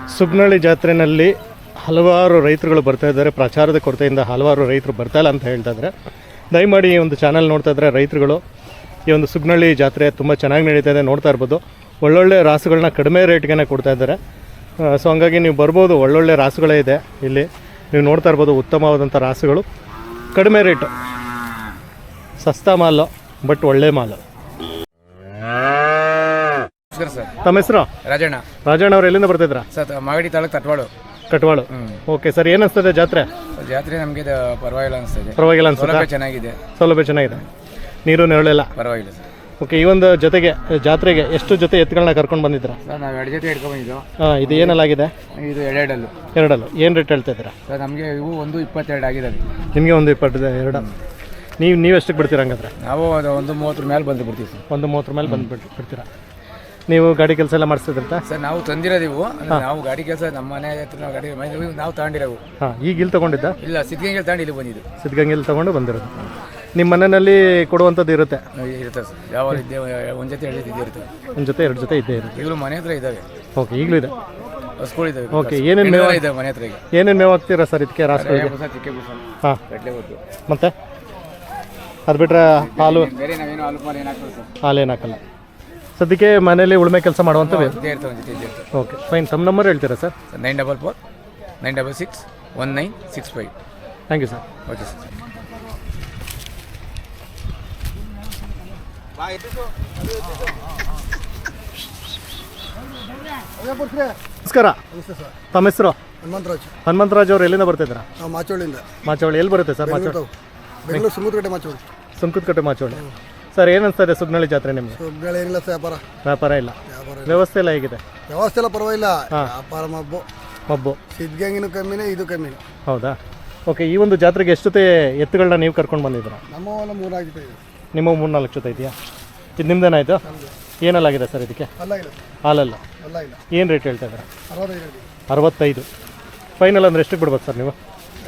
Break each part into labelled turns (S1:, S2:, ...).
S1: ಸುಗ್ನಳ್ಳಿ ಜಾತ್ರೆಯಲ್ಲಿ ಹಲವಾರು ರೈತರುಗಳು ಬರ್ತಾ ಇದ್ದಾರೆ. ಪ್ರಚಾರದ ಕೊರತೆಯಿಂದ ಹಲವಾರು ರೈತರು ಬರ್ತಾಯಿಲ್ಲ ಅಂತ ಹೇಳ್ತಾ ಇದ್ದಾರೆ. ದಯಮಾಡಿ ಈ ಒಂದು ಚಾನಲ್ ನೋಡ್ತಾ ಇದ್ದರೆ ರೈತರುಗಳು ಈ ಒಂದು ಸುಗ್ನಳ್ಳಿ ಜಾತ್ರೆ ತುಂಬ ಚೆನ್ನಾಗಿ ನಡೀತಾ ಇದೆ, ನೋಡ್ತಾ ಇರ್ಬೋದು. ಒಳ್ಳೊಳ್ಳೆ ರಾಸುಗಳನ್ನ ಕಡಿಮೆ ರೇಟ್ಗೆ ಕೊಡ್ತಾ ಇದ್ದಾರೆ. ಸೊ ಹಂಗಾಗಿ ನೀವು ಬರ್ಬೋದು, ಒಳ್ಳೊಳ್ಳೆ ರಾಸುಗಳೇ ಇದೆ ಇಲ್ಲಿ. ನೀವು ನೋಡ್ತಾ ಇರ್ಬೋದು, ಉತ್ತಮವಾದಂಥ ರಾಸುಗಳು, ಕಡಿಮೆ ರೇಟು, ಸಸ್ತಾ ಮಾಲು, ಬಟ್ ಒಳ್ಳೆ ಮಾಲು. ತಮ್ಮ ಹೆಸರು? ರಾಜಣ್ಣ ಅವ್ರು ಎಲ್ಲಿಂದ ಬರ್ತಿದ್ರಾ?
S2: ಮಾಗಡಿ ತಾಲೂಕು
S1: ಕಟ್ವಾಳು. ಓಕೆ ಸರ್, ಏನು ಅನಿಸ್ತದೆ ಜಾತ್ರೆ?
S2: ಜಾತ್ರೆ ನಮಗೆ ಪರವಾಗಿಲ್ಲ ಅನಿಸ್ತದೆ.
S1: ಪರವಾಗಿಲ್ಲ ಅನ್ಸುತ್ತೆ?
S2: ಚೆನ್ನಾಗಿದೆ,
S1: ಸೌಲಭ್ಯ ಚೆನ್ನಾಗಿದೆ, ನೀರು ನೆರಳೆಲ್ಲ
S2: ಪರವಾಗಿಲ್ಲ ಸರ್.
S1: ಓಕೆ, ಈ ಒಂದು ಜೊತೆಗೆ ಜಾತ್ರೆಗೆ ಎಷ್ಟು ಜೊತೆ ಎತ್ತುಗಳನ್ನ ಕರ್ಕೊಂಡು ಬಂದಿದ್ದೀರಾ?
S2: ಸರ್ ನಾವು 2 ಜೊತೆ ಹಿಡ್ಕೊಂಡು ಬಂದಿದ್ದು.
S1: ಇದು ಏನಲ್ಲಾಗಿದೆ?
S2: ಇದು ಎರಡಲ್ಲು.
S1: ಏನು ರೇಟ್ ಹೇಳ್ತಾ ಇದ್ದೀರಾ?
S2: ಸರ್ ನಮಗೆ ಇವು 1.22 ಆಗಿದೆ.
S1: ನಿಮಗೆ 1.22. ನೀವು ಎಷ್ಟಕ್ಕೆ ಬಿಡ್ತೀರಾ ಹಂಗಾದ್ರೆ?
S2: ನಾವು 1.30 ಮೇಲೆ ಬಂದು ಬಿಡ್ತೀವಿ ಸರ್.
S1: 1.30 ಮೇಲೆ ಬಂದು ಬಿಡ್ತೀರಾ? ನೀವು ಗಾಡಿ ಕೆಲಸ ಎಲ್ಲ ಮಾಡಿಸ್ತಿದ್ರಂತ?
S2: ಸರ್ ನಾವು ತಂದಿರೋದಿವು, ನಾವು ಗಾಡಿ ಕೆಲಸ ನಮ್ಮ ಮನೆ ಹತ್ರ ನಾವು ಗಾಡಿ ನಾವು ತಗೊಂಡಿರೋವು.
S1: ಈಗ ಇಲ್ಲಿ ತೊಗೊಂಡಿದ್ದ?
S2: ಇಲ್ಲ, ಸಿದ್ಧಗಂಗೆಲ್ಲಿ ತಗೊಂಡು ಇಲ್ಲಿ ಬಂದಿದ್ದು.
S1: ಸಿದ್ಧಗಂಗೆಲ್ಲಿ ತೊಗೊಂಡು ಬಂದಿರೋದು. ನಿಮ್ಮ ಮನೆಯಲ್ಲಿ ಕೊಡುವಂಥದ್ದು ಇರುತ್ತೆ?
S2: ಇರುತ್ತೆ ಸರ್, ಯಾವ ಒಂದು ಜೊತೆ 2 ಜೊತೆ ಇರುತ್ತೆ. ಒಂದು
S1: ಜೊತೆ 2 ಜೊತೆ ಇದ್ದೇ ಇರುತ್ತೆ.
S2: ಈಗಲೂ ಮನೆ ಹತ್ರ ಇದ್ದಾವೆ.
S1: ಓಕೆ, ಈಗಲೂ ಇದೆ,
S2: ಹಸ್ಗಳಿದ್ದಾವೆ.
S1: ಓಕೆ, ಏನೇನು ಮೇವು
S2: ಇದೆ ಮನೆ ಹತ್ರ? ಈಗ
S1: ಏನೇನು ಮೇವು ಹಾಕ್ತೀರಾ ಸರ್ ಇದಕ್ಕೆ? ರಾಸುಗಳಿಗೆ? ಹಾಂ, ಮತ್ತೆ ಅದು ಬಿಟ್ಟರೆ ಹಾಲು?
S2: ಬೇರೆ ನಾವೇನು ಹಾಲು ಏನು ಹಾಕ್ತೀವಿ ಸರ್?
S1: ಹಾಲು ಏನು ಹಾಕಲ್ಲ. ಸದ್ಯಕ್ಕೆ ಮನೇಲಿ ಉಳುಮೆ ಕೆಲಸ ಮಾಡುವಂಥದ್ದು? Okay, fine. ತಮ್ಮ ನಂಬರ್ ಹೇಳ್ತೀರಾ sir?
S2: 944 966 1965.
S1: Thank you sir.
S2: Okay sir.
S1: ನಮಸ್ಕಾರ. ತಮ್ಮ ಹೆಸರು? ಹನುಮಂತರಾಜ್ ಅವರು ಎಲ್ಲಿಂದ ಬರ್ತಿದ್ದೀರಾ?
S3: ಮಾಚೋಳಿಂದ.
S1: ಮಾಚೋಳಿ ಎಲ್ಲಿ ಬರುತ್ತೆ ಸರ್?
S3: ಬೆಂಗಳೂರು ಸುಮುದ್ರಕಟ್ಟೆ ಮಾಚೋಳಿ.
S1: ಸುಂಕದಕಟ್ಟೆ ಮಾಚೋಳಿ. ಸರ್, ಏನು ಅನಿಸ್ತಾ ಇದೆ ಸುಗ್ನಳ್ಳಿ ಜಾತ್ರೆ ನಿಮಗೆ?
S3: ಸುಗ್ನಳ್ಳಿ ಏನಿಲ್ಲ ಸರ್,
S1: ವ್ಯಾಪಾರ ಇಲ್ಲ, ವ್ಯವಸ್ಥೆ ಎಲ್ಲ ಹೇಗಿದೆ?
S3: ವ್ಯವಸ್ಥೆ ಎಲ್ಲ ಪರವಾಗಿಲ್ಲ, ವ್ಯಾಪಾರ ಮಬ್ಬು. ಸಿದ್ಧಗಂಗಿನೂ ಕಮ್ಮಿನೇ, ಇದು ಕಮ್ಮಿನೇ.
S1: ಹೌದಾ? ಓಕೆ, ಈ ಒಂದು ಜಾತ್ರೆಗೆ ಎಷ್ಟು ಜೊತೆ ಎತ್ತುಗಳನ್ನ ನೀವು ಕರ್ಕೊಂಡು ಬಂದಿದ್ದೀರಾ?
S3: ನಮ್ಮ 3-4 ಜೊತೆ ಇದೆ.
S1: ನಿಮ್ಮ 3-4 ಜೊತೆ ಇದೆಯಾ? ಇದು ನಿಮ್ದೇನಾಯಿತು? ಏನಲ್ಲಾಗಿದೆ ಸರ್ ಇದಕ್ಕೆ? ಹಾಲಲ್ಲ. ಏನು ರೇಟ್ ಹೇಳ್ತಾ ಇದ್ದೀರಾ? 65. ಫೈನಲ್ ಅಂದರೆ ಎಷ್ಟಕ್ಕೆ ಬಿಡ್ಬೋದು ಸರ್ ನೀವು?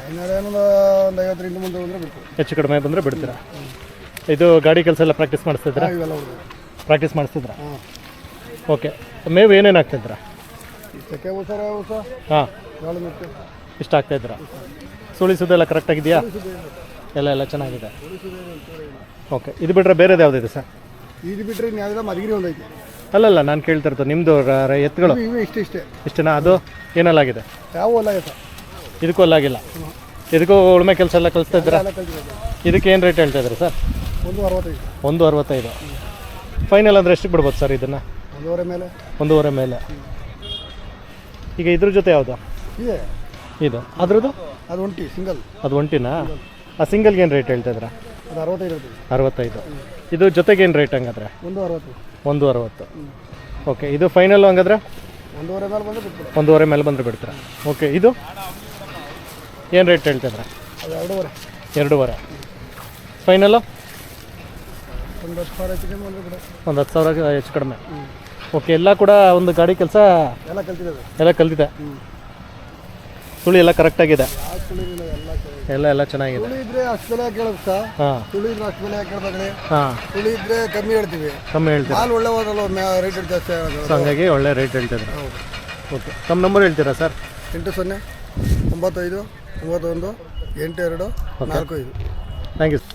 S1: ಹೆಚ್ಚು ಕಡಿಮೆ ಬಂದರೆ ಬಿಡ್ತೀರಾ? ಇದು ಗಾಡಿ ಕೆಲಸ ಎಲ್ಲ ಪ್ರಾಕ್ಟೀಸ್ ಮಾಡಿಸ್ತಿದ್ರಾ? ಪ್ರಾಕ್ಟೀಸ್ ಮಾಡಿಸ್ತಿದ್ರಾ? ಓಕೆ, ಮೇವು ಏನೇನು ಆಗ್ತಿದ್ರಾ? ಹಾಂ, ಇಷ್ಟ ಆಗ್ತಾಯಿದ್ರಾ? ಸುಳಿಸೋದೆಲ್ಲ ಕರೆಕ್ಟಾಗಿದೆಯಾ? ಎಲ್ಲ ಚೆನ್ನಾಗಿದೆ. ಓಕೆ, ಇದು ಬಿಟ್ಟರೆ ಬೇರೆದು ಯಾವುದಿದೆ ಸರ್?
S3: ಇದು ಬಿಟ್ಟರೆ ಮಧುಗಿರಿ ಒಂದೈತೆ.
S1: ಅಲ್ಲಲ್ಲ, ನಾನು ಕೇಳ್ತಾ ಇರ್ತೀನಿ ನಿಮ್ಮದು ಎತ್ತುಗಳು ಇಷ್ಟೇನಾ? ಅದು ಏನಲ್ಲಾಗಿದೆ?
S3: ಯಾವ ಹೊಲ?
S1: ಇದಕ್ಕೂ ಅಲ್ಲಾಗಿಲ್ಲ. ಇದಕ್ಕೂ ಉಳುಮೆ ಕೆಲಸ ಎಲ್ಲ ಕಲಿಸ್ತಾ ಇದ್ದೀರಾ? ಇದಕ್ಕೆ ಏನು ರೇಟ್ ಹೇಳ್ತಾ ಇದ್ದೀರಾ ಸರ್? 1.65. ಫೈನಲ್ ಅಂದರೆ ಎಷ್ಟಕ್ಕೆ ಬಿಡ್ಬೋದು ಸರ್ ಇದನ್ನು? 1.5 ಮೇಲೆ. ಈಗ ಇದ್ರ ಜೊತೆ ಯಾವುದು ಇದು? ಅದ್ರದ್ದು ಅದು ಒಂಟಿನಾ? ಆ ಸಿಂಗಲ್ಗೆ ಏನು ರೇಟ್ ಹೇಳ್ತಾ ಇದ್ದೀರಾ? 65. ಇದು ಜೊತೆಗೆ ಏನು ರೇಟ್ ಹಂಗಾದ್ರೆ? 1.60. ಓಕೆ, ಇದು ಫೈನಲ್ಲು ಹಂಗಾದ್ರೆ 1.5 ಮೇಲೆ ಬಂದರೆ ಬಿಡ್ತೀರಾ? ಓಕೆ, ಇದು ಏನು ರೇಟ್ ಹೇಳ್ತಿದ್ರ? 2.5. ಫೈನಲ್ಲು 10,000 ಹೆಚ್ಚು ಕಡಿಮೆ. ಓಕೆ, ಎಲ್ಲ ಕೂಡ ಒಂದು ಗಾಡಿ ಕೆಲಸ ಎಲ್ಲ ಕಲ್ತಿದೆ. ಸುಳಿ ಎಲ್ಲ ಕರೆಕ್ಟಾಗಿದೆ, ಎಲ್ಲ ಚೆನ್ನಾಗಿದೆ. ಹಾಂ,
S3: ಕಮ್ಮಿ ಹೇಳ್ತೀವಿ.
S1: ಹಂಗಾಗಿ ಒಳ್ಳೆ ರೇಟ್ ಹೇಳ್ತಿದ್ರು. ಓಕೆ, ತಮ್ಮ ನಂಬರ್ ಹೇಳ್ತೀರಾ ಸರ್?
S3: 80 95 91 82 45.
S1: Thank you.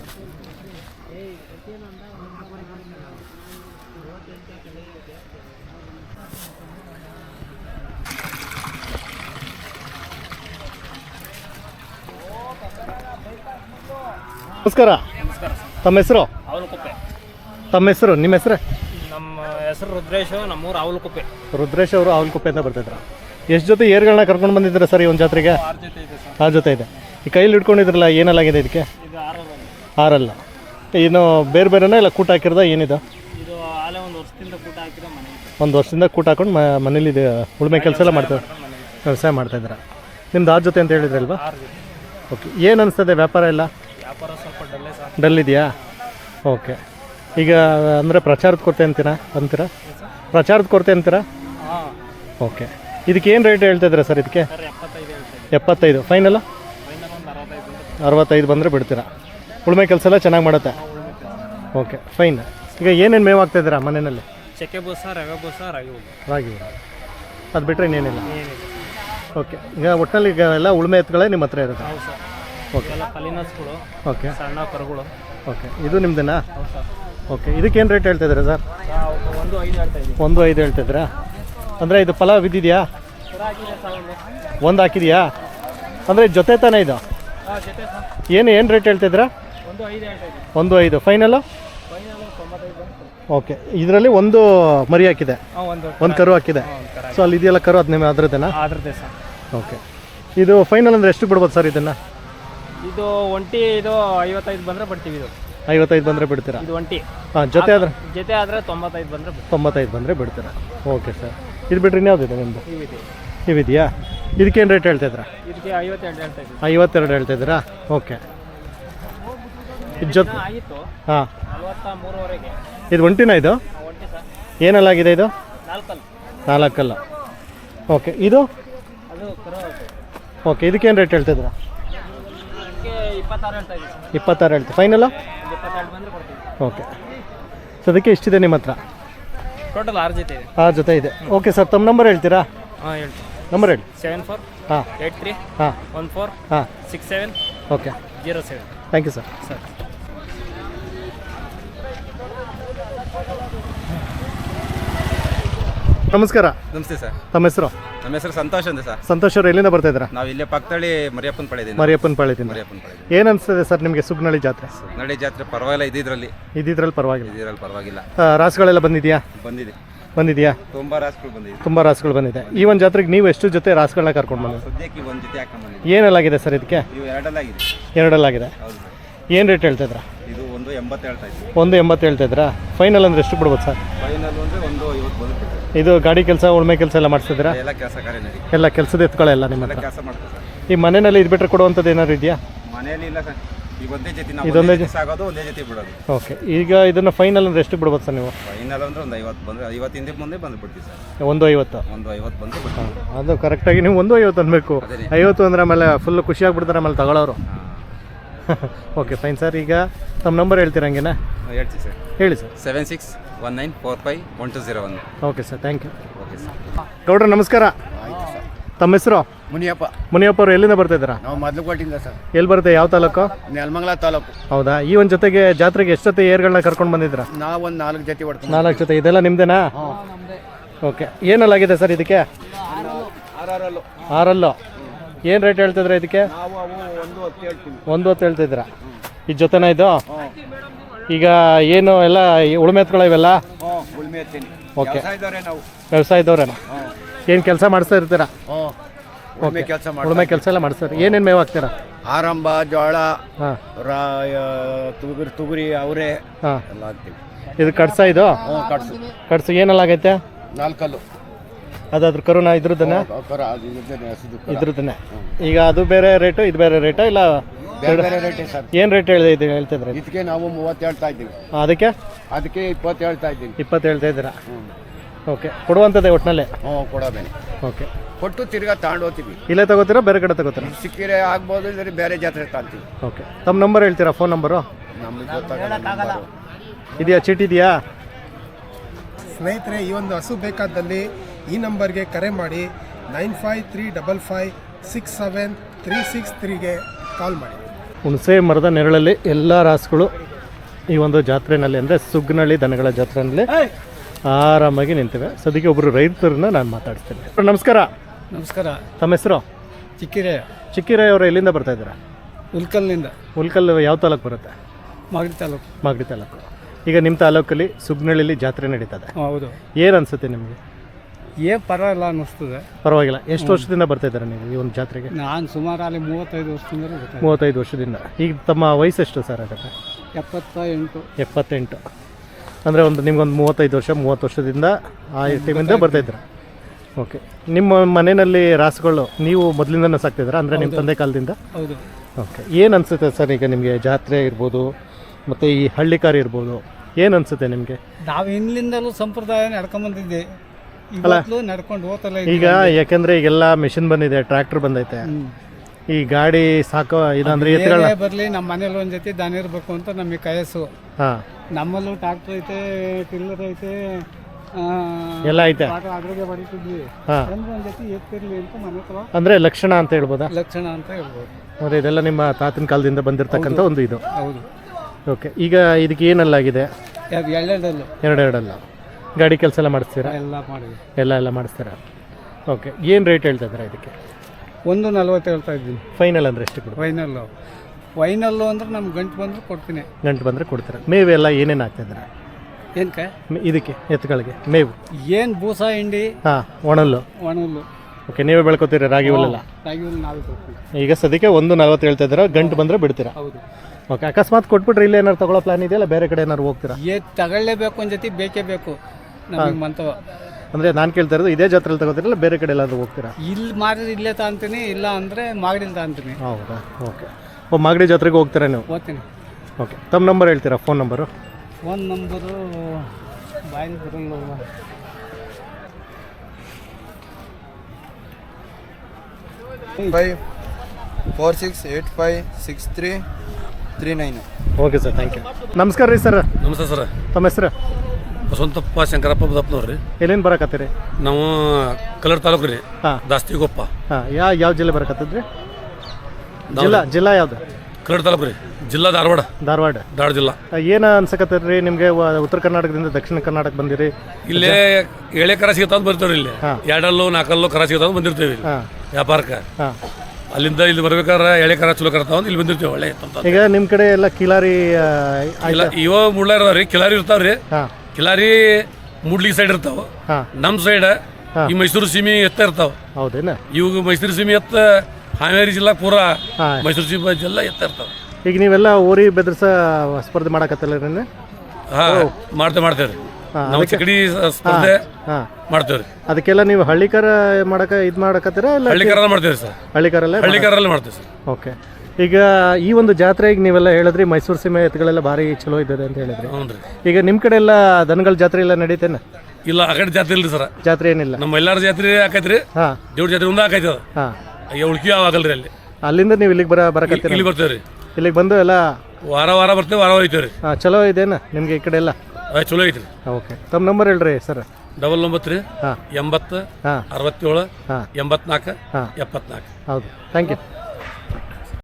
S1: ನಮಸ್ಕಾರ. ತಮ್ಮ ಹೆಸರು? ತಮ್ಮ ಹೆಸರು? ನಿಮ್ಮ ಹೆಸರು?
S4: ನಮ್ಮ ಹೆಸರು ರುದ್ರೇಶ್, ನಮ್ಮೂರು ಅವಲಕುಪ್ಪೆ.
S1: ರುದ್ರೇಶ್ ಅವರು ಅವಲಕುಪ್ಪೆಯಿಂದ ಬರ್ತಿದ್ರು. ಎಷ್ಟು ಜೊತೆ ಏರ್ಗಳನ್ನ ಕರ್ಕೊಂಡು ಬಂದಿದ್ದೀರಾ ಸರ್ ಈ ಒಂದು ಜಾತ್ರೆಗೆ?
S4: 6 ಜೊತೆ ಇದೆ ಸರ್.
S1: 6 ಜೊತೆ ಇದೆ. ಈ ಕೈಯಲ್ಲಿ ಹಿಡ್ಕೊಂಡಿದ್ರಲ್ಲ, ಏನಲ್ಲಾಗಿದೆ ಇದಕ್ಕೆ?
S4: ಇದು
S1: 6 ಇನ್ನು ಬೇರೆ ಬೇರೆನೇ ಇಲ್ಲ ಕೂಟ ಹಾಕಿರೋದ ಏನಿದೆ?
S4: ಇದು ಆಲೆ 1 ವರ್ಷದಿಂದ ಕೂಟ ಹಾಕಿರೋ ಮನೆ.
S1: 1 ವರ್ಷದಿಂದ ಕೂಟ ಹಾಕೊಂಡು ಮನೇಲಿ ಇದು ಉಳುಮೆ ಕೆಲಸ ಎಲ್ಲ ಮಾಡ್ತಾರೆ, ವ್ಯವಸಾಯ ಮಾಡ್ತಾಯಿದ್ದೀರಾ? ನಿಮ್ದು 6 ಜೊತೆ ಅಂತ ಹೇಳಿದ್ರಲ್ವಾ?
S4: 6 ಜೊತೆ.
S1: ಓಕೆ, ಏನು ಅನಿಸ್ತದೆ ವ್ಯಾಪಾರ ಎಲ್ಲ?
S4: ವ್ಯಾಪಾರ ಸ್ವಲ್ಪ
S1: ಡಲ್ ಇದೆಯಾ? ಓಕೆ, ಈಗ ಅಂದರೆ ಪ್ರಚಾರದ ಕೊರತೆ ಅಂತೀರಾ? ಪ್ರಚಾರದ ಕೊರತೆ ಅಂತೀರಾ?
S4: ಹಾಂ.
S1: ಓಕೆ, ಇದಕ್ಕೆ ಏನು ರೇಟ್ ಹೇಳ್ತಾ ಇದ್ದೀರಾ ಸರ್ ಇದಕ್ಕೆ? 75. ಫೈನಲ್ಲ 65 ಬಂದರೆ ಬಿಡ್ತೀರಾ? ಉಳುಮೆ ಕೆಲಸ ಎಲ್ಲ ಚೆನ್ನಾಗಿ ಮಾಡುತ್ತೆ. Okay, fine. ಈಗ ಏನೇನು ಮೇವು ಆಗ್ತಾಯಿದ್ದೀರಾ ಮನೆಯಲ್ಲಿ?
S4: ಚಕ್ಕೆ ಬೂಸ, ರವೆ ಬೂಸ, ರಾಗಿ.
S1: ಅದು ಬಿಟ್ಟರೆ ಇನ್ನೇನಿಲ್ಲ.
S4: ಏನಿಲ್ಲ.
S1: ಓಕೆ, ಈಗ ಒಟ್ಟಿನಲ್ಲಿ ಈಗ ಎಲ್ಲ ಉಳುಮೆ ಎತ್ತುಗಳೇ ನಿಮ್ಮ ಹತ್ರ ಇರುತ್ತೆ.
S4: ಹೌದು ಸರ್.
S1: ಓಕೆ
S4: ಎಲ್ಲ ಕಲಿನಸ್ಗಳು,
S1: ಓಕೆ
S4: ಸಣ್ಣ ಕರುಗಳು.
S1: ಓಕೆ, ಇದು ನಿಮ್ಮದೇನಾ?
S4: ಹೌದು ಸರ್.
S1: ಓಕೆ, ಇದಕ್ಕೇನು ರೇಟ್ ಹೇಳ್ತಿದ್ದೀರಾ ಸರ್?
S4: 1.5 ಹೇಳ್ತಾ ಇದ್ದೀವಿ.
S1: 1.5 ಹೇಳ್ತಿದ್ದೀರಾ? ಅಂದರೆ ಇದು ಫಲ ಬಿದ್ದಿದೆಯಾ?
S4: ಆಗಿದೆ ಸರ್
S1: ಒಂದು ಹಾಕಿದೆಯಾ? ಅಂದರೆ ಜೊತೆ ತಾನೇ ಇದು?
S4: ಜೊತೆ ಸರ್.
S1: ಏನು ರೇಟ್ ಹೇಳ್ತಿದ್ದೀರಾ?
S4: 1.5 ಹೇಳ್ತಾ ಇದ್ದೀವಿ.
S1: 1.5 ಫೈನಲು?
S4: ಫೈನಲ್ 95 ಬಂತು.
S1: ಓಕೆ, ಇದರಲ್ಲಿ ಒಂದು ಮರಿ ಹಾಕಿದೆ, ಒಂದು ಕರು ಹಾಕಿದೆ. ಸೊ ಅಲ್ಲಿ ಇದೆಯಲ್ಲ ಕರು, ಅದು ನಿಮ್ಮ ಅದ್ರದ್ದೇನಾ?
S4: ಅದ್ರದ್ದೇ ಸರ್.
S1: ಓಕೆ, ಇದು ಫೈನಲ್ ಅಂದರೆ ಎಷ್ಟು ಬಿಡ್ಬೋದು ಸರ್ ಇದನ್ನು?
S4: ಇದು ಒಂಟಿ ಇದು 55 ಬಂದರೆ ಬಿಡ್ತೀವಿ. ಇದು
S1: 55 ಬಂದರೆ ಬಿಡ್ತೀರಾ?
S4: ಇದು ಒಂಟಿ.
S1: ಹಾಂ, ಜೊತೆ ಆದರೆ?
S4: ಜೊತೆ ಆದರೆ 95 ಬಂದರೆ
S1: 95 ಬಂದರೆ ಬಿಡ್ತೀರಾ? Okay sir. ಇದು ಬಿಟ್ಟರೆ ಇನ್ಯಾವುದಿದೆ ನಿಮ್ಮದು?
S4: ಇವಿದೆ.
S1: ಇವಿದೆಯಾ? ಇದಕ್ಕೇನು ರೇಟ್ ಹೇಳ್ತಿದ್ರಾ?
S4: ಇದಕ್ಕೆ 52 ಹೇಳ್ತಾ ಇದ್ದೀವಿ.
S1: 52 ಹೇಳ್ತಿದ್ದೀರಾ? ಓಕೆ, ಇದು ಜೊತೆ
S4: ಆಗಿತ್ತು
S1: ಹಾಂ,
S4: 43ವರೆಗೆ.
S1: ಇದು ಒಂಟಿನಾ? ಇದು
S4: ಒಂಟಿ ಸರ್.
S1: ಏನಲ್ಲಾಗಿದೆ ಇದು?
S4: 4
S1: 4 ಓಕೆ, ಇದು
S4: ಅದು ಕರು.
S1: ಓಕೆ, ಇದಕ್ಕೇನು ರೇಟ್ ಹೇಳ್ತಿದ್ರಾ?
S4: ಇದಕ್ಕೆ 26 ಹೇಳ್ತಾ ಇದ್ದೀವಿ ಸರ್.
S1: 26 ಹೇಳ್ತೀವಿ. ಫೈನಲ್ಲ?
S4: 22 ಬಂದರೆ ಕೊಡ್ತೀವಿ.
S1: ಓಕೆ, ಸೊ ಅದಕ್ಕೆ ಇಷ್ಟಿದೆ ನಿಮ್ಮ ಹತ್ರ?
S4: ಟೋಟಲ್ 6 ಜೊತೆ ಇದೆ.
S1: 6 ಜೊತೆ ಇದೆ. ಓಕೆ ಸರ್, ತಮ್ಮ ನಂಬರ್ ಹೇಳ್ತೀರಾ?
S4: ಹಾಂ ಹೇಳ್ತೀನಿ.
S1: ನಂಬರ್ ಹೇಳಿ.
S4: 74
S1: ಹಾಂ
S4: 83
S1: ಹಾಂ
S4: 14
S1: ಹಾಂ
S4: 67
S1: okay,
S4: 07.
S1: Thank you sir.
S4: Sir.
S1: ನಮಸ್ಕಾರ.
S5: ನಮಸ್ತೆ ಸರ್.
S1: ತಮ್ಮ ಹೆಸರು?
S5: ನಮ್ಮ ಹೆಸರು ಸಂತೋಷ್ ಅಂತ ಸರ್.
S1: ಸಂತೋಷ್ ಅವರು ಎಲ್ಲಿಂದ ಬರ್ತಾ ಇದ್ದೀರಾ?
S5: ನಾವು ಇಲ್ಲೇ ಪಕ್ಕದಳ್ಳಿ ಮರಿಯಪ್ಪನ ಪಡೆದಿದ್ದೀವಿ.
S1: ಮರಿಯಪ್ಪನ ಪಾಳ್ಯದಿಂದ.
S5: ಮರಿಯಪ್ಪನ ಪಡೆದಿ.
S1: ಏನು ಅನಿಸ್ತದೆ ಸರ್ ನಿಮಗೆ ಸುಗ್ನಳ್ಳಿ ಜಾತ್ರೆ?
S5: ನಡೆ ಜಾತ್ರೆ ಪರವಾಗಿಲ್ಲ, ಇದ್ರಲ್ಲಿ
S1: ಪರವಾಗಿಲ್ಲ.
S5: ಪರವಾಗಿಲ್ಲ.
S1: ರಾಸುಗಳೆಲ್ಲ ಬಂದಿದೆಯಾ? ಬಂದಿದೆಯಾ?
S5: ತುಂಬಾ ರಾಸುಗಳು ಬಂದಿದೆ.
S1: ತುಂಬ ರಾಸುಗಳು ಬಂದಿದೆ. ಈ ಒಂದು ಜಾತ್ರೆಗೆ ನೀವು ಎಷ್ಟು ಜೊತೆ ರಾಸುಗಳನ್ನ ಕರ್ಕೊಂಡು ಬಂದಿದ್ದೀರಾ?
S5: ಸದ್ಯಕ್ಕೆ ಒಂದು ಜೊತೆ ಹಾಕೊಂಡು ಬಂದಿದ್ದೀವಿ.
S1: ಏನಲ್ಲಾಗಿದೆ ಸರ್ ಇದಕ್ಕೆ?
S5: ಇವು ಎರಡಲ್ಲಾಗಿದೆ.
S1: ಎರಡಲ್ಲಾಗಿದೆ.
S5: ಹೌದು ಸರ್.
S1: ಏನು ರೇಟ್ ಹೇಳ್ತಿದ್ರಾ?
S5: ಇದು 1.80 ಹೇಳ್ತಾ ಇದ್ದೀವಿ.
S1: 1.80 ಹೇಳ್ತಿದ್ರಾ? ಫೈನಲ್ ಅಂದರೆ ಎಷ್ಟು ಬಿಡ್ಬೋದು ಸರ್?
S5: ಫೈನಲ್ ಅಂದರೆ 1.50 ಬಂದುಬಿಟ್ಟು.
S1: ಇದು ಗಾಡಿ ಕೆಲಸ, ಉಳ್ಮೆ ಕೆಲಸ ಎಲ್ಲ ಮಾಡಿಸ್ತಿದ್ದೀರಾ?
S5: ಎಲ್ಲ ಕೆಲಸ ಕಾರ್ಯ ನಡಿ,
S1: ಎಲ್ಲ ಕೆಲಸದ ಎತ್ಕೊಳ್ಳೆಲ್ಲ ನಿಮ್ಮ
S5: ಎಲ್ಲ
S1: ಹತ್ರ?
S5: ಕೆಲಸ ಮಾಡ್ತೀವಿ ಸರ್.
S1: ಈ ಮನೆಯಲ್ಲಿ ಇದು ಬಿಟ್ಟರೆ ಕೊಡುವಂಥದ್ದು ಏನಾದ್ರು ಇದೆಯಾ?
S5: ಮನೆಯಲ್ಲಿ ಇಲ್ಲ ಸರ್. ಈಗ ಒಂದೇ ಜೊತೆ ನಾವು
S1: ಇದೊಂದೇ
S5: ಒಂದೇ ಸಾಗೋದು, ಒಂದೇ ಜೊತೆ ಬಿಡೋದು.
S1: ಓಕೆ, ಈಗ ಇದನ್ನು ಫೈನಲ್ ಅಂದರೆ ಎಷ್ಟು ಬಿಡ್ಬೋದು ಸರ್ ನೀವು?
S5: ಫೈನಲ್ ಅಂದರೆ ಒಂದು 50 ಬಂದರೆ 50 ಹಿಂದೆ ಮುಂದೆ ಬಂದು ಬಿಡ್ತೀವಿ ಸರ್.
S1: 1.50.
S5: 1.50 ಬಂದು ಬಿಡ್ತೀವಿ.
S1: ಅದು ಕರೆಕ್ಟಾಗಿ ನೀವು 1.50 ಅನ್ಬೇಕು.
S5: ಅದೇ.
S1: 50 ಅಂದರೆ ಆಮೇಲೆ ಫುಲ್ ಖುಷಿಯಾಗ್ಬಿಡ್ತಾರೆ ಆಮೇಲೆ ತಗೊಳ್ಳೋರು.
S5: ಹಾಂ,
S1: ಓಕೆ ಫೈನ್ ಸರ್. ಈಗ ತಮ್ಮ ನಂಬರ್ ಹೇಳ್ತೀರಾ ಹಂಗೇನಾ?
S5: ಹೇಳ್ತೀವಿ ಸರ್.
S1: ಹೇಳಿ sir.
S5: 7619451201.
S1: Okay sir, thank you.
S5: Okay sir.
S1: ಗೌಡ್ರ ನಮಸ್ಕಾರ. ತಮ್ಮ ಹೆಸರು?
S3: ಮುನಿಯಪ್ಪ.
S1: ಮುನಿಯಪ್ಪ ಅವರು ಎಲ್ಲಿಂದ ಬರ್ತಾ ಇದ್ದೀರಾ?
S3: ನಾವು ಮೊದಲುಕೋಟಿಂದ ಸರ್.
S1: ಎಲ್ಲಿ ಬರುತ್ತೆ? ಯಾವ ತಾಲೂಕು?
S3: ನೆಲಮಂಗಲ ತಾಲೂಕು.
S1: ಹೌದಾ? ಈ ಒಂದು ಜೊತೆಗೆ ಜಾತ್ರೆಗೆ ಎಷ್ಟು ಜೊತೆ ಏರ್ಗಳನ್ನ ಕರ್ಕೊಂಡು ಬಂದಿದ್ದೀರಾ?
S3: ನಾವು ಒಂದು 4 ಜೊತೆ ಹೊಡ್ಕೊಂಡು
S1: 4 ಜೊತೆ. ಇದೆಲ್ಲ ನಿಮ್ಮದೇನಾ? ಓಕೆ, ಏನಲ್ಲಾಗಿದೆ ಸರ್ ಇದಕ್ಕೆ? 6 ಏನು ರೇಟ್ ಹೇಳ್ತಿದ್ರೆ ಇದಕ್ಕೆ?
S3: ನಾವು ಅವು 1.10 ಹೇಳ್ತೀವಿ.
S1: 1.10 ಹೇಳ್ತಿದ್ದೀರಾ? ಈ ಜೊತೆನಾ ಇದು? ಈಗ ಏನು ಎಲ್ಲ ಉಳುಮೆ ಎತ್ಕೊಳ್ಳೋ ಇವೆಲ್ಲ?
S3: ಉಳ್ಮೆ ಎತ್ತೀನಿ.
S1: ಓಕೆ,
S3: ನಾವು
S1: ವ್ಯವಸಾಯದವ್ರೇನಾ? ಏನು ಕೆಲಸ ಮಾಡಿಸ್ತಾ ಇರ್ತೀರಾ?
S3: ಉಳ್ಮೆ ಕೆಲಸ ಮಾಡಿ
S1: ಉಳುಮೆ ಕೆಲಸ ಎಲ್ಲ ಮಾಡಿಸ್ತಾರೆ. ಏನೇನು ಮೇವು ಹಾಕ್ತೀರಾ?
S3: ಆರಂಭ, ಜೋಳ,
S1: ಹಾಂ
S3: ತುಗುರಿ, ಅವರೇ
S1: ಹಾಂ.
S3: ಎಲ್ಲ ಹಾಕ್ತೀವಿ.
S1: ಇದು ಕಡ್ಸ ಇದು?
S3: ಕಟ್ಸು
S1: ಕಡ್ಸು ಏನೆಲ್ಲ ಆಗೈತೆ?
S3: 4
S1: ಅದಾದ್ರ ಕರುನಾ ಇದ್ರದ್ದನ್ನ? ಇದ್ರದ್ದನ್ನೇ. ಈಗ ಅದು ಬೇರೆ ರೇಟು, ಇದು ಬೇರೆ ರೇಟಾ? ಇಲ್ಲ
S3: ಬೇರೆ ಬೇರೆ ರೇಟ್ ಸರ್.
S1: ಏನು ರೇಟ್ ಹೇಳ್ತಿದ್ರೆ?
S3: ಇದಕ್ಕೆ ನಾವು 30 ಹೇಳ್ತಾ ಇದ್ದೀವಿ.
S1: ಅದಕ್ಕೆ
S3: 20 ಹೇಳ್ತಾ ಇದ್ದೀನಿ.
S1: 20 ಹೇಳ್ತಾ ಇದ್ದೀರಾ? ಓಕೆ, ಕೊಡುವಂಥದ್ದೇ ಒಟ್ಟಿನಲ್ಲೇ?
S3: ಕೊಡೋದೇನೆ.
S1: ಓಕೆ,
S3: ಕೊಟ್ಟು ತಿರ್ಗಾ ತಗೊಂಡು ಹೋಗ್ತೀವಿ.
S1: ಇಲ್ಲೇ ತಗೋತೀರಾ ಬೇರೆ ಕಡೆ ತಗೋತೀರಾ?
S3: ಸಿಕ್ಕಿರೆ ಆಗ್ಬೋದು, ಇಲ್ಲದ್ರೆ ಬೇರೆ ಜಾತ್ರೆ ತಾಂತೀವಿ.
S1: ಓಕೆ, ತಮ್ಮ ನಂಬರ್ ಹೇಳ್ತೀರಾ? ಫೋನ್ ನಂಬರು
S3: ನಮಗೆ ಗೊತ್ತಾಗಲ್ಲ.
S1: ಇದೆಯಾ? ಚೀಟಿ ಇದೆಯಾ?
S6: ಸ್ನೇಹಿತರೆ, ಈ ಒಂದು ಹಸು ಬೇಕಾದಲ್ಲಿ ಈ ನಂಬರ್ಗೆ ಕರೆ ಮಾಡಿ 9535567363ಗೆ ಕಾಲ್ ಮಾಡಿ.
S1: ಹುಣಸೆ ಮರದ ನೆರಳಲ್ಲಿ ಎಲ್ಲ ರಾಸುಗಳು ಈ ಒಂದು ಜಾತ್ರೆಯಲ್ಲಿ, ಅಂದರೆ ಸುಗ್ನಳ್ಳಿ ದನಗಳ ಜಾತ್ರೆಯಲ್ಲಿ ಆರಾಮಾಗಿ ನಿಂತಿವೆ. ಸದ್ಯಕ್ಕೆ ಒಬ್ಬರು ರೈತರನ್ನ ನಾನು ಮಾತಾಡ್ತೇನೆ. ನಮಸ್ಕಾರ.
S6: ನಮಸ್ಕಾರ.
S1: ತಮ್ಮ ಹೆಸರು?
S6: ಚಿಕ್ಕಿರೆಯ.
S1: ಚಿಕ್ಕಿರಾಯ್ ಅವರು ಎಲ್ಲಿಂದ ಬರ್ತಾ ಇದ್ದೀರಾ?
S6: ಉಲ್ಕಲ್ನಿಂದ.
S1: ಉಲ್ಕಲ್ ಯಾವ ತಾಲೂಕು ಬರುತ್ತೆ?
S6: ಮಾಗಡಿ ತಾಲೂಕು.
S1: ಮಾಗಡಿ ತಾಲೂಕು. ಈಗ ನಿಮ್ಮ ತಾಲೂಕಲ್ಲಿ ಸುಗ್ನಳ್ಳಿಲಿ ಜಾತ್ರೆ ನಡೀತದೆ.
S6: ಹೌದು.
S1: ಏನು ಅನಿಸುತ್ತೆ ನಿಮಗೆ?
S6: ಪರವಾಗಿಲ್ಲ ಅನ್ನಿಸ್ತದೆ.
S1: ಪರವಾಗಿಲ್ಲ. ಎಷ್ಟು ವರ್ಷದಿಂದ ಬರ್ತಾ ಇದ್ದೀರಾ ನೀವು ಈ ಒಂದು ಜಾತ್ರೆಗೆ?
S6: ನಾನು ಸುಮಾರು ಅಲ್ಲಿ 35 ವರ್ಷದಿಂದ
S1: 35 ವರ್ಷದಿಂದ. ಈಗ ತಮ್ಮ ವಯಸ್ಸೆಷ್ಟು ಸರ್ ಆಗುತ್ತೆ?
S6: 78.
S1: ಅಂದರೆ ನಿಮ್ಗೊಂದು 30 ವರ್ಷದಿಂದ ಆ ಟೈಮಿಂದ ಬರ್ತಾಯಿದ್ದೀರಾ? ಓಕೆ, ನಿಮ್ಮ ಮನೆಯಲ್ಲಿ ರಾಸುಗಳು ನೀವು ಮೊದಲಿಂದನೂ ಸಾಕ್ತಿದ್ದೀರಾ? ಅಂದರೆ ನಿಮ್ಮ ತಂದೆ ಕಾಲದಿಂದ?
S6: ಹೌದು.
S1: ಓಕೆ, ಏನು ಅನಿಸುತ್ತೆ ಸರ್ ಈಗ ನಿಮಗೆ ಜಾತ್ರೆ ಇರ್ಬೋದು ಮತ್ತು ಈ ಹಳ್ಳಿಕಾರಿ ಇರ್ಬೋದು, ಏನು ಅನಿಸುತ್ತೆ ನಿಮಗೆ?
S6: ನಾವು ಹಿಂದಿಂದಲೂ ಸಂಪ್ರದಾಯ ನಡ್ಕೊಂಬಂದಿದ್ದೆ, ನಡ್ಕೊಂಡು ಹೋಗ್ತಲ್ಲ.
S1: ಈಗ ಯಾಕೆಂದರೆ ಈಗೆಲ್ಲ ಮಿಷಿನ್ ಬಂದಿದೆ, ಟ್ರ್ಯಾಕ್ಟರ್ ಬಂದೈತೆ. ಈ ಗಾಡಿ ಸಾಕೋ ಇದಂದ್ರೆ ಎತ್ತುಗಳನ್ನ
S6: ಬರಲಿ, ನಮ್ಮ ಮನೇಲಿ ಒಂದು ಜೊತೆ ದನ ಇರಬೇಕು ಅಂತ ನಮಗೆ ಕಯಸ್ಸು.
S1: ಹಾಂ,
S6: ನಮ್ಮಲ್ಲೂ ಟ್ರ್ಯಾಕ್ಟರ್ ಐತೆ, ಟಿಲ್ಲರ್ ಐತೆ,
S1: ಎಲ್ಲ ಐತೆ
S6: ಪಾಠ ಅದ್ರಾಗೆ ಬರೀತಿದ್ವಿ
S1: ಹಾಂ
S6: ಅಂದ್ರೆ ಒಂದು ಜೊತೆ ಎತ್ತಿರ್ಲಿ ಅಂತ ಮನೆ ಹತ್ರ
S1: ಅಂದರೆ ಲಕ್ಷಣ ಅಂತ ಹೇಳ್ಬೋದಾ?
S6: ಲಕ್ಷಣ ಅಂತ ಹೇಳ್ಬೋದು.
S1: ಅಂದರೆ ಇದೆಲ್ಲ ನಿಮ್ಮ ತಾತನ ಕಾಲದಿಂದ ಬಂದಿರತಕ್ಕಂಥ ಒಂದು ಇದು.
S6: ಹೌದು.
S1: ಓಕೆ, ಈಗ ಇದಕ್ಕೆ ಏನಲ್ಲಾಗಿದೆ?
S6: ಎರಡಲ್ಲೂ
S1: ಎರಡಲ್ಲ. ಗಾಡಿ ಕೆಲಸ ಎಲ್ಲ ಮಾಡಿಸ್ತೀರಾ?
S6: ಎಲ್ಲ ಮಾಡಿದ್ವಿ.
S1: ಎಲ್ಲ ಮಾಡಿಸ್ತೀರಾ? ಓಕೆ, ಏನು ರೇಟ್ ಹೇಳ್ತಾ ಇದ್ದೀರಾ ಇದಕ್ಕೆ?
S6: 140 ಹೇಳ್ತಾ ಇದ್ದೀನಿ.
S1: ಫೈನಲ್ ಅಂದರೆ ಎಷ್ಟು ಕೊಡು?
S6: ಫೈನಲ್ಲು ಅಂದ್ರೆ ನಮ್ಗೆ ಗಂಟು ಬಂದ್ರೆ ಕೊಡ್ತೀನಿ.
S1: ಗಂಟು ಬಂದರೆ ಕೊಡ್ತೀರಾ? ಮೇವೆಲ್ಲ ಏನೇನು ಹಾಕ್ತಿದ್ದೀರಾ
S6: ಏನಕ್ಕೆ?
S1: ಇದಕ್ಕೆ ಎತ್ತುಗಳಿಗೆ ಮೇವು
S6: ಏನು ಬೂಸ ಹಿಂಡಿ?
S1: ಹಾಂ, ಒಣಲ್ಲು. ಓಕೆ, ನೀವೇ ಬೆಳ್ಕೊತೀರಿ ರಾಗಿ ಹುಲ್ಲೆಲ್ಲ?
S6: ರಾಗಿ ಹುಲ್ಲು ನಾವೇ ಕೊಡ್ತೀವಿ.
S1: ಈಗ ಸದ್ಯಕ್ಕೆ 140 ಹೇಳ್ತಾ ಇದ್ದೀರಾ, ಗಂಟು ಬಂದರೆ ಬಿಡ್ತೀರಾ?
S6: ಹೌದು.
S1: ಓಕೆ, ಅಕಸ್ಮಾತ್ ಕೊಟ್ಬಿಟ್ರೆ ಇಲ್ಲಿ ಏನಾರು ತಗೊಳ್ಳೋ ಪ್ಲಾನ್ ಇದೆಯಲ್ಲ, ಬೇರೆ ಕಡೆ ಏನಾರು ಹೋಗ್ತೀರಾ?
S6: ತಗೊಳ್ಳೇಬೇಕು ಒಂದು ಜೊತೆ ಬೇಕೇ ಬೇಕು ನಮಗೆ ಮಂತವ.
S1: ಅಂದರೆ ನಾನು ಕೇಳ್ತಾ ಇರೋದು ಇದೇ ಜಾತ್ರೆಯಲ್ಲಿ ತಗೋತೀರಲ್ಲ ಬೇರೆ ಕಡೆ ಎಲ್ಲಾದರೂ ಹೋಗ್ತೀರಾ?
S6: ಇಲ್ಲಿ ಮಾರಿದ್ರೆ ಇಲ್ಲೇ ತಗೊಂತೀನಿ, ಇಲ್ಲ ಅಂದರೆ ಮಾಗಡಿಲಿ ತಗೊಂತೀನಿ.
S1: ಹೌದಾ? ಓಕೆ. ಮಾಗಡಿ ಜಾತ್ರೆಗೆ ಹೋಗ್ತೀರಾ ನೀವು?
S6: ಹೋಗ್ತೀನಿ.
S1: ಓಕೆ, ತಮ್ಮ ನಂಬರ್ ಹೇಳ್ತೀರಾ? ಫೋನ್ ನಂಬರು
S6: ಬಾಯಿ ಬರಲ್ಲ.
S3: 46856339.
S1: Okay sir, thank you. ನಮಸ್ಕಾರ ರೀ ಸರ್.
S7: ನಮಸ್ತೆ ಸರ್.
S1: ತಮ್ಮ ಹೆಸರು?
S7: ಬಸವಂತಪ್ಪ ಶಂಕರಪ್ಪ ಬದಪ್ಪನವ್ರಿ.
S1: ಎಲ್ಲಿಂದ ಬರಕತ್ತೀರಿ?
S7: ನಾವು ಕಲ್ಲರ್ ತಾಲೂಕು ರೀ.
S1: ಹಾಂ.
S7: ದಾಸ್ತಿಗೊಪ್ಪ.
S1: ಹಾಂ, ಯಾವ ಜಿಲ್ಲೆ ಬರಕತ್ತಿದ್ರಿ? ಜಿಲ್ಲಾ ಯಾವುದು?
S7: ಕಲ್ಲರ್ ತಾಲೂಕು ರೀ. ಜಿಲ್ಲಾ ಧಾರವಾಡ ಜಿಲ್ಲಾ.
S1: ಏನು ಅನ್ಸಕತ್ತದ್ರಿ ನಿಮಗೆ? ಉತ್ತರ ಕರ್ನಾಟಕದಿಂದ ದಕ್ಷಿಣ ಕರ್ನಾಟಕ ಬಂದಿರಿ,
S7: ಇಲ್ಲೇ ಎಳೆ ಕರ ಸಿಗತ್ತ ಬರ್ತೀವ್ರಿ. ಇಲ್ಲಿ 2 4 ಕರ ಸಿಗತ್ತ ಬಂದಿರ್ತೀವಿ
S1: ಹಾಂ,
S7: ವ್ಯಾಪಾರಕ್ಕೆ.
S1: ಹಾಂ.
S7: ಅಲ್ಲಿಂದ ಇಲ್ಲಿ ಬರ್ಬೇಕಾದ್ರೆ ಎಳೆ ಕರ ಚಲೋ ಕರ್ತಾವ ಇಲ್ಲಿ ಬಂದಿರ್ತೀವಿ. ಒಳ್ಳೆ
S1: ಈಗ ನಿಮ್ಮ ಕಡೆ ಎಲ್ಲ ಕಿಲಾರಿ
S7: ಇಲ್ಲ, ಇವ ಮುಳ್ಳ ಇರ್ತಾವ್ರಿ, ಕಿಲಾರಿ ಇರ್ತಾವ್ರಿ.
S1: ಹಾಂ,
S7: ಕಿಲಾರಿ ಮೂಡ್ಲಿಗೆ ಸೈಡ್ ಇರ್ತಾವ.
S1: ಹಾಂ.
S7: ನಮ್ಮ ಸೈಡ್ ಈ ಮೈಸೂರು ಸೀಮೆ ಎತ್ತ ಇರ್ತಾವ.
S1: ಹೌದೇನ?
S7: ಇವಾಗ ಮೈಸೂರು ಸೀಮೆ ಎತ್ತ ಹಾವೇರಿ ಜಿಲ್ಲಾ ಪೂರಾ
S1: ಹಾಂ.
S7: ಮೈಸೂರು ಸೀಮೆ ಜಿಲ್ಲಾ ಎತ್ತ ಇರ್ತಾವ.
S1: ಈಗ ನೀವೆಲ್ಲ ಓರಿ ಬೆದರ್ಸ ಸ್ಪರ್ಧೆ ಮಾಡಕತ್ತಲ್ಲ ರೀ?
S7: ಹಾಂ, ಮಾಡ್ತೇವ್ರಿ. ನಾವು ಚಕಡಿ ಸ್ಪರ್ಧೆ
S1: ಹಾಂ
S7: ಮಾಡ್ತೇವ್ರಿ.
S1: ಅದಕ್ಕೆಲ್ಲ ನೀವು ಹಳ್ಳಿಕಾರ ಇದು ಮಾಡಕತ್ತೀರಾ? ಇಲ್ಲ
S7: ಹಳ್ಳಿಕಾರ ಮಾಡ್ತೇವ್ರಿ ಸರ್. ಹಳ್ಳಿಕಾರಲ್ಲೇ ಮಾಡ್ತೇವೆ ಸರ್.
S1: ಓಕೆ. ಈಗ ಈ ಒಂದು ಜಾತ್ರೆಗೆ ನೀವೆಲ್ಲ ಹೇಳಿದ್ರಿ ಮೈಸೂರು ಸೀಮೆ ಎತ್ತುಗಳೆಲ್ಲ ಭಾರಿ ಚಲೋ ಇದ್ದದೆ ಅಂತ ಹೇಳಿದ್ರಿ.
S7: ಹ್ಞೂ ರೀ.
S1: ಈಗ ನಿಮ್ಮ ಕಡೆ ಎಲ್ಲ ದನಗಳ ಜಾತ್ರೆ ಎಲ್ಲ ನಡೀತೇನೆ?
S7: ಇಲ್ಲ, ಆ ಕಡೆ ಜಾತ್ರೆ ಇಲ್ರಿ ಸರ್.
S1: ಜಾತ್ರೆ ಏನಿಲ್ಲ?
S7: ನಮ್ಮ ಎಲ್ಲಾರ ಜಾತ್ರೆ ಆಕೈತ್ರಿ.
S1: ಹಾಂ,
S7: ದೇವ್ರ ಜಾತ್ರೆ ಒಂದೇ ಆಕೈತಿ ಅದು.
S1: ಹಾಂ.
S7: ಉಳ್ಕಿ ಯಾವ ಆಗಲ್ರಿ ಅಲ್ಲಿ.
S1: ಅಲ್ಲಿಂದ ನೀವು ಇಲ್ಲಿಗೆ ಬರಕತ್ತೀರಿ?
S7: ಇಲ್ಲಿ ಬರ್ತೇವ್ರಿ.
S1: ಇಲ್ಲಿಗೆ ಬಂದು ಎಲ್ಲ
S7: ವಾರ ಬರ್ತೇವೆ, ವಾರ ಹೋಯ್ತೇವ್ರಿ.
S1: ಹಾಂ, ಚಲೋ ಇದೇನ ನಿಮಗೆ ಈ ಕಡೆ ಎಲ್ಲ?
S7: ಚಲೋ ಐತ್ರಿ.
S1: ಓಕೆ, ತಮ್ಮ ನಂಬರ್ ಹೇಳ್ರಿ ಸರ್.
S7: 99 ರೀ.
S1: ಹಾಂ.
S7: 80
S1: ಹಾಂ.
S7: 67
S1: ಹಾಂ.
S7: 84
S1: ಹಾಂ.
S7: 74.
S1: ಹೌದು, ಥ್ಯಾಂಕ್ ಯು.